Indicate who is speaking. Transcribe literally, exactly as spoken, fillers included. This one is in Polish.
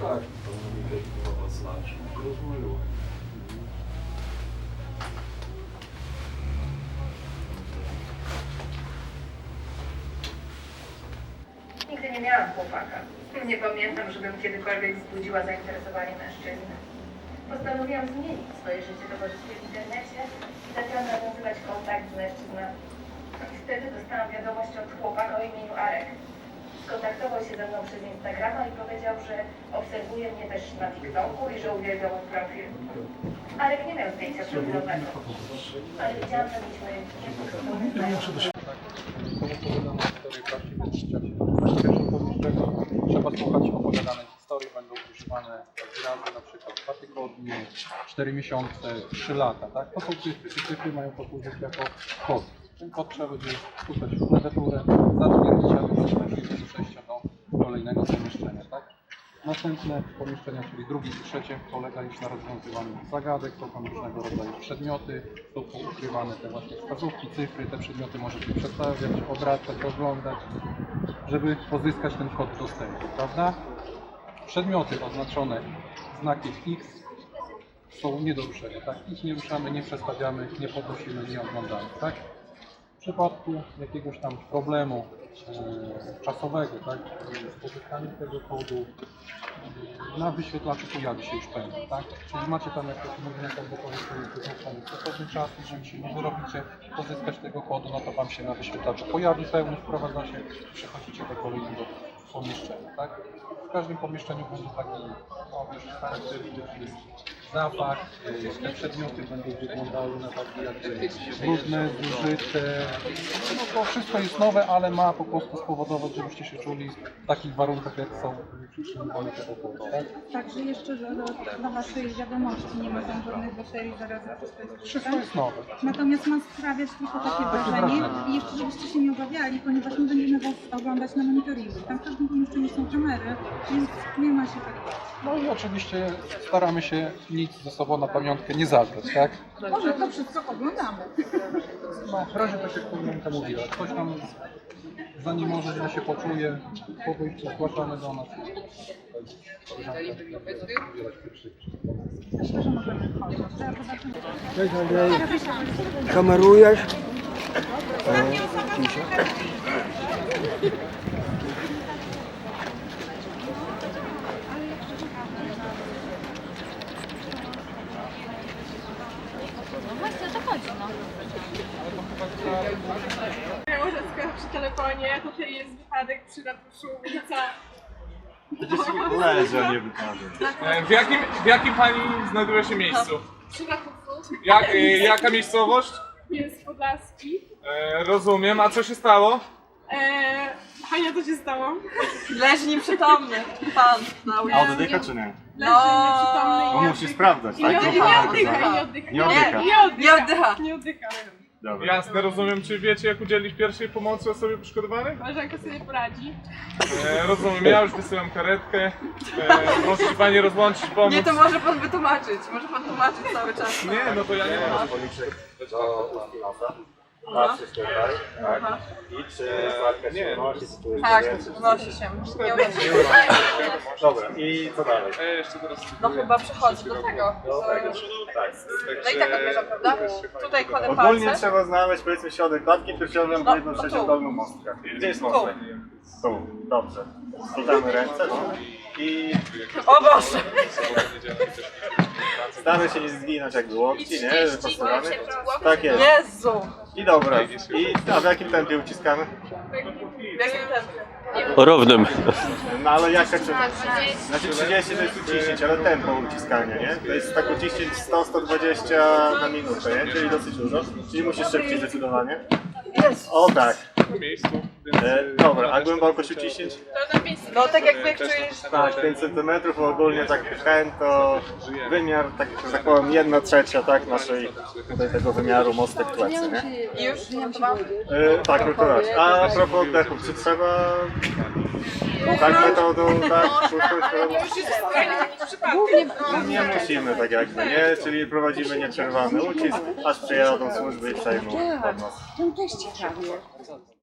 Speaker 1: tak, pewno mi to znaczy, rozumiem.
Speaker 2: Nigdy nie miałam chłopaka. Nie pamiętam, żebym kiedykolwiek wzbudziła zainteresowanie mężczyzny. Postanowiłam zmienić swoje życie towarzyskie w internecie i zaczęłam nawiązywać kontakt z mężczyznami. I wtedy dostałam wiadomość od chłopaka o imieniu Arek. Skontaktował się ze mną przez Instagrama i powiedział, że obserwuje mnie też na TikToku i że uwielbia mój profil. Arek nie miał zdjęcia profilowego, ale wiedziałam, że mieliśmy niepodobne znajomości.
Speaker 3: Trzeba słuchać opowiadanej historii, będą używane wyrazy na przykład dwa tygodnie, cztery miesiące, trzy lata, tak? To są cyfry, te cyfry mają posłużyć jako kod. Ten kod trzeba będzie wpisać w klawiaturę, zatwierdzić, aby możliwość przejścia do kolejnego pomieszczenia, tak? Następne pomieszczenia, czyli drugie i trzecie, polega już na rozwiązywaniu zagadek, to są różnego rodzaju przedmioty, są ukrywane te właśnie wskazówki, cyfry, te przedmioty możecie przestawiać, obracać, oglądać, żeby pozyskać ten kod dostępu, prawda? Przedmioty oznaczone znakiem X są nie do ruszenia, tak? Ich nie ruszamy, nie przestawiamy, nie podnosimy, nie oglądamy, tak? W przypadku jakiegoś tam problemu e, czasowego, tak? Z pozyskaniem tego kodu e, na wyświetlaczu pojawi się już pęd, tak? Czyli macie tam jakieś mówienie, albo powiedzmy stosowny czas, jeżeli się nie wyrobicie pozyskać tego kodu, no to wam się na wyświetlaczu pojawi pełny, wprowadza się i przechodzicie do kolejnego pomieszczenia, tak? W każdym pomieszczeniu będzie taki no, już charakterystyczny zapach, te przedmioty będą wyglądały na takie jakby brudne, zużyte. No to wszystko jest nowe, ale ma po prostu spowodować, żebyście się czuli w takich warunkach, jak są przytrzymywane te pokój, tak?
Speaker 4: Także jeszcze do, do, do waszej wiadomości nie ma tam żadnych baterii, zarazów, wszystko jest
Speaker 3: Wszystko jest nowe.
Speaker 4: Natomiast ma sprawiać tylko takie wrażenie i jeszcze żebyście się nie obawiali, ponieważ my będziemy was oglądać na monitoringu. Tam w każdym pomieszczeniu są kamery, więc nie ma się tak bać.
Speaker 3: No i oczywiście staramy się nic ze sobą na pamiątkę nie zabrać, tak?
Speaker 4: Może to wszystko oglądamy.
Speaker 3: No, w razie tak jak Koleżanka mówiła, ktoś tam zanim może źle się poczuje, po wyjściu zgłaszamy do nas.
Speaker 4: Myślę, że możemy wchodzić. Teraz zobaczymy.
Speaker 5: Cześć Andrzej. Kamerujesz? E, ciszę.
Speaker 6: No właśnie o to chodzi, no.
Speaker 7: Łożecka przy telefonie, tutaj jest wypadek przy ratuszu, ulica.
Speaker 8: Leży, a nie wypadek.
Speaker 9: W jakim, w jakim pani znajduje się miejscu?
Speaker 7: Przy ratuszu
Speaker 9: Jak, e, jaka miejscowość?
Speaker 7: jest Podlaski.
Speaker 9: E, rozumiem, a co się stało?
Speaker 7: Eee, Hania, co się stało?
Speaker 10: Leży nieprzytomny pan na
Speaker 8: A
Speaker 10: ulicy.
Speaker 8: oddycha czy nie?
Speaker 7: Leży nieprzytomny
Speaker 8: Bo
Speaker 7: i
Speaker 8: musi sprawdzać,
Speaker 7: I nie,
Speaker 8: tak?
Speaker 7: nie, nie oddycha, i nie oddycha.
Speaker 8: Nie oddycha.
Speaker 7: Nie oddycha.
Speaker 10: Nie oddycha.
Speaker 7: Nie oddycha.
Speaker 8: Dobra.
Speaker 9: Jasne, rozumiem. Czy wiecie, jak udzielić pierwszej pomocy osobie poszkodowanej?
Speaker 7: Koleżanka sobie poradzi.
Speaker 9: E, rozumiem, ja już wysyłam karetkę. E, proszę się pani rozłączyć, pomóc.
Speaker 10: Nie, to może pan wytłumaczyć. Może pan tłumaczyć cały czas.
Speaker 9: Nie, no to ja nie mam.
Speaker 8: Patrzysz tutaj, tak? I czy walka się
Speaker 9: nie.
Speaker 8: unosi, sytuuje
Speaker 10: Tak, wnosi się. Nie uda się.
Speaker 8: Dobra, i co dalej?
Speaker 9: E, jeszcze teraz...
Speaker 10: No chyba przechodzi do tego.
Speaker 8: Do tego. Tak.
Speaker 10: No i tak odbierzam, prawda? Tutaj kładę
Speaker 8: Ogólnie
Speaker 10: palce.
Speaker 8: trzeba znaleźć powiedzmy środek klatki piersiową,
Speaker 10: No,
Speaker 8: bo jedną
Speaker 10: no
Speaker 8: trzecią
Speaker 10: tu.
Speaker 8: dolną mostka. Gdzie jest mostek? Tu, dobrze. Składamy ręce, no. I
Speaker 10: O Boże!
Speaker 8: staramy się nie zginąć jakby łokci, nie? Wyprostowany. Tak jest.
Speaker 10: Jezu!
Speaker 8: I dobra. I a w jakim tempie uciskamy?
Speaker 10: W jakim tempie?
Speaker 5: Równym.
Speaker 8: No ale jak tak znaczy trzydzieści to jest uciśnięcie, ale tempo uciskania, nie? To jest tak uciśnięć sto do stu dwudziestu na minutę, nie? Czyli dosyć dużo. Czyli musisz szybciej zdecydowanie. O tak.
Speaker 9: W miejscu.
Speaker 8: E, dobra, a głębokość uciśnięć?
Speaker 10: No tak jakby jak czujesz...
Speaker 8: Tak, pięć centymetrów, ogólnie tak ten to wymiar, tak, że tak powiem, jedna trzecia, tak, naszej, tutaj tego wymiaru mostek plecy, nie?
Speaker 10: I już to mam?
Speaker 8: E, tak, tylko raz. A propos oddechów, czy trzeba tak metodą, tak, puszczać? Nie musimy tak jakby, nie? Czyli prowadzimy nieprzerwany ucisk, aż przyjadą służby i przejmą od nas.
Speaker 4: Ten też ciekawie.